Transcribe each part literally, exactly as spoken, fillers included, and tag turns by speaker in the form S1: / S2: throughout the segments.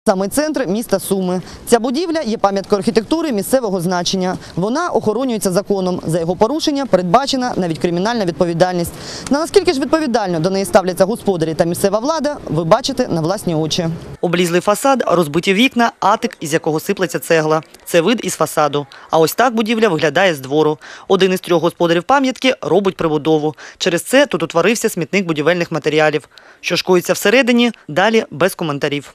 S1: Саме центр міста Суми. Ця будівля є пам'яткою архітектури місцевого значення. Вона охоронюється законом. За його порушення передбачена навіть кримінальна відповідальність. На наскільки ж відповідально до неї ставляться господарі та місцева влада, ви бачите на власні очі. Облізлий фасад, розбиті вікна, атик, із якого сиплеться цегла. Це вид із фасаду. А ось так будівля виглядає з двору. Один із трьох господарів пам'ятки робить прибудову. Через це тут утворився смітник будівельних матеріалів. Що ж коїться всередині, далі без коментарів.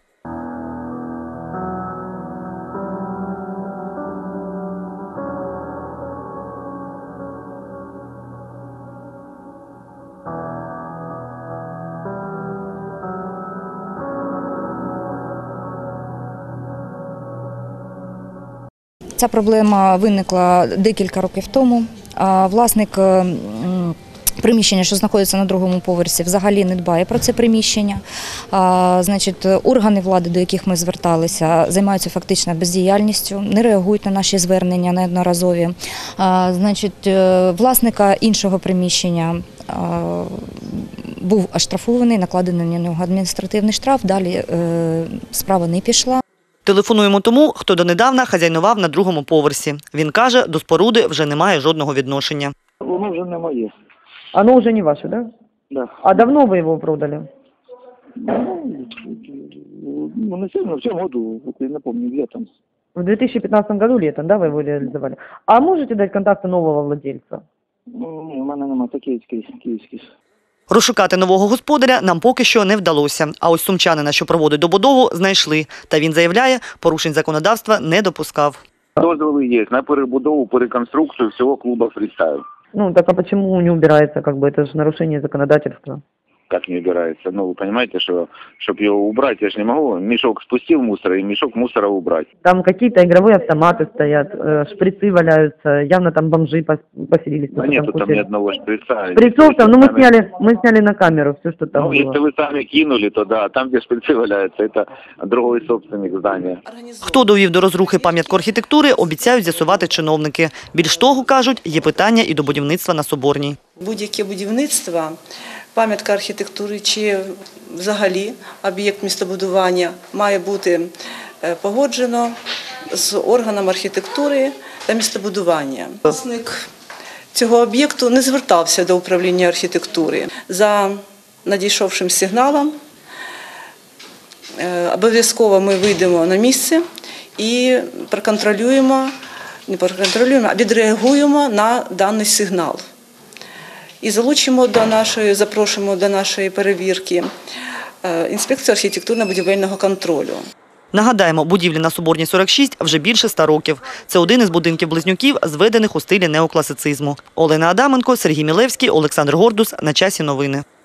S2: Ця проблема виникла декілька років тому. Власник приміщення, що знаходиться на другому поверсі, взагалі не дбає про це приміщення. Значить, органи влади, до яких ми зверталися, займаються фактично бездіяльністю, не реагують на наші звернення неодноразові. Значить, власника іншого приміщення був оштрафований, накладений на нього адміністративний штраф, далі справа не пішла.
S1: Телефонуємо тому, хто донедавна хазяйнував на другому поверсі. Він каже, до споруди вже немає жодного відношення.
S3: Воно вже не моє.
S4: Оно уже не ваше, да?
S3: Да.
S4: А давно вы его продали?
S3: Ну, ну не сильно, в цьому году, вот я не помню, летом.
S4: В две тысячи пятнадцатом году летом, да, вы его реализовали? А можете дать контакты нового владельца?
S3: Ну, ні, в мене немає, це київський, київський.
S1: Розшукати нового господаря нам поки що не вдалося. А ось сумчанина, що проводить добудову, знайшли. Та він заявляє, порушень законодавства не допускав.
S5: Дозволи є на перебудову, переконструкцію всього клубу «Фристайл».
S4: Ну, так а почему не убирается, как бы, это же нарушение законодательства?
S5: Как не убирается? Ну, вы понимаете, что, чтобы его убрать, я же не могу. Мешок спустил мусора и мешок мусора убрать.
S4: Там какие-то игровые автоматы стоят, шприцы валяются, явно там бомжи поселились.
S5: Да нету там ни одного шприца.
S4: Шприцов там, ну мы сняли, мы сняли на камеру все, что там
S5: Ну,
S4: было.
S5: если вы сами кинули, то да, там, где шприцы валяются, это другой собственник здания.
S1: Хто довів до розрухи пам'ятку архітектури, обіцяють з'ясувати чиновники. Більш того, кажуть, є питання і до будівництва на Соборній.
S6: Будь-яке будівництво, пам'ятка архітектури чи взагалі об'єкт містобудування має бути погоджено з органом архітектури та містобудування. Власник цього об'єкту не звертався до управління архітектури. За надійшовшим сигналом обов'язково ми вийдемо на місце і проконтролюємо, не проконтролюємо, а відреагуємо на даний сигнал. І залучимо до нашої, запрошуємо до нашої перевірки інспекцію архітектурно-будівельного контролю.
S1: Нагадаємо, будівлі на Соборній сорок шість вже більше ста років. Це один із будинків-близнюків, зведених у стилі неокласицизму. Олена Адаменко, Сергій Мілевський, Олександр Гордус. На часі новини.